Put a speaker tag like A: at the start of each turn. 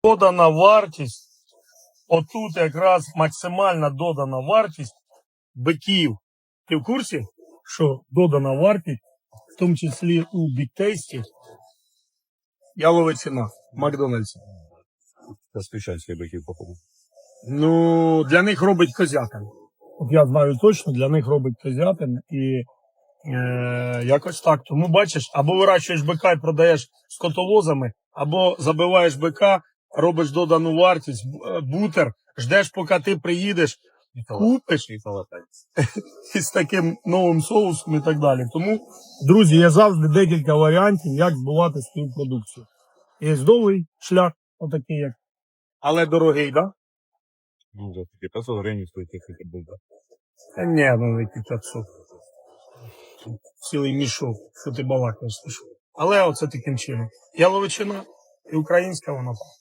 A: Додана вартість, отут якраз максимальна додана вартість биків. Ти в курсі, що додана вартість, в тому числі у Big Tasty, ялова ціна в Макдональдсі?
B: Зазвичайські биків, походу.
A: Ну, для них робить козятин. От я знаю точно, для них робить козятин і якось так. Тому бачиш, або вирощуєш бика і продаєш скотовозами, або забиваєш бика, робиш додану вартість, бутер, ждеш, поки ти приїдеш, купиш із таким новим соусом і так далі. Тому, друзі, є завжди декілька варіантів, як збувати свою продукцію. Є довгий шлях, отакий як, але дорогий, так? Да?
B: Ну, за такі 500 гривень стоїть тільки буде.
A: Та ні, ну які 500. Цілий мішок, що ти балакаєш. Але оце таким чином. Яловичина і українська вона.